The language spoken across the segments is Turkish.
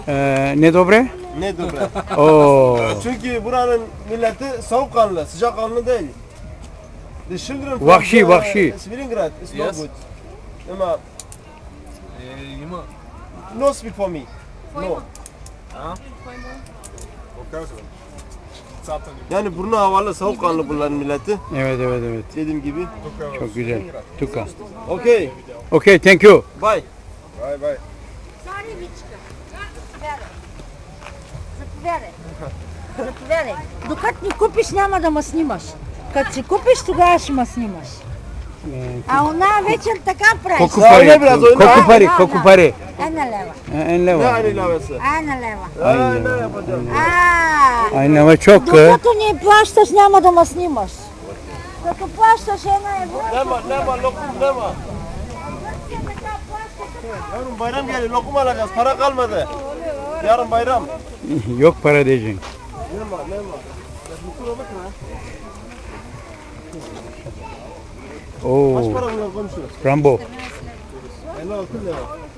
Ne dobre? Ne dobre. Oo. Çünkü buranın milleti soğukkanlı, sıcakkanlı değil. The children from Vahşi, vahşi. Svilingrad is no Yes. good. Ama Yuma. no speak for me. No. Yani burnu havalı, soğukkanlı bunların milleti. Evet, evet, evet. Dediğim gibi. Çok güzel. Tuka. Okay. Okay, thank you. Bye. Bye bye. Царевичка, заповядай. Заповядай. Докато не купиш, няма да ме снимаш. Като си купиш, тогава ще ме снимаш. А она вечер така правиш. Koku Ya pari. oyna biraz, oyna. Koku pari, Ha, koku ha. pari. Една лева. En Ne leva. aynı ilavesi? Една лева. Ne yapacağım? Aynı leva çok. Докато не плащаш, няма да ме снимаш. Като плащаш една евро, Nema, lokum nema. Yarın bayram geliyor, lokum alacağız. Para kalmadı. Yarın bayram. Yok para diyeceksin. Nema. Oo. Kaç para bunlar komşu? Rambo. 56 lira.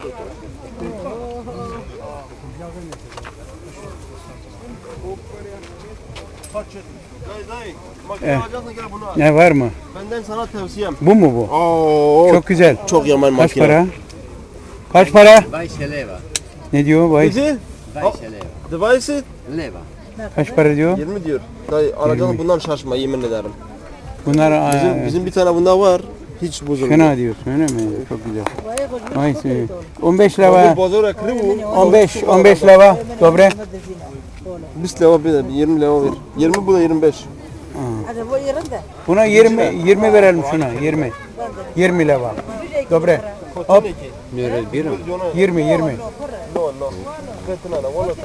Kaç? Dayı. Makine alacaksın gel bunu al. Ne var mı? Benden sana tavsiyem. Bu mu bu? Oo, Çok güzel. çok yaman Kaç makine. para? Kaç para? Bayşe leva. Ne diyor bay? Güzel. Bayşe leva. Device'i Leva. Kaç para diyor? 20 diyor. Dayı alacaksın 20. bundan şaşma yemin ederim. Bunlar Bizim bir tane bunda var. Hiç bozulmuyor. şuna diyorsun öyle mi? Çok güzel. Vay 15 leva. Bozora krivu. 15 leva. Dobre. 20 leva bir de 20 leva ver. 20 bu da 25. Buna 20 verelim şuna 20 leva. Dobre. Hop Nere bir mi? 20. No. Betına da valla.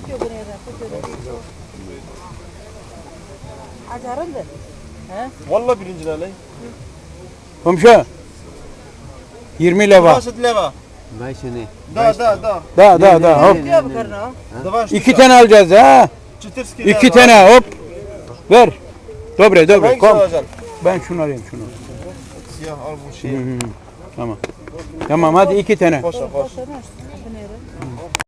Valla birinci ne lan? Komşu. 20 leva. 20 leva. Bayşe ne? Da. Hop. Davaş. 2 tane alacağız ha. Çıtırski. 2 tane hop. Ver. Dobre. Hangisini Kom. alacaksın? Ben şunu alayım şunu. Siyah al bu Hı şeyi. hı. Tamam. Tamam hadi 2 tane. Koşa.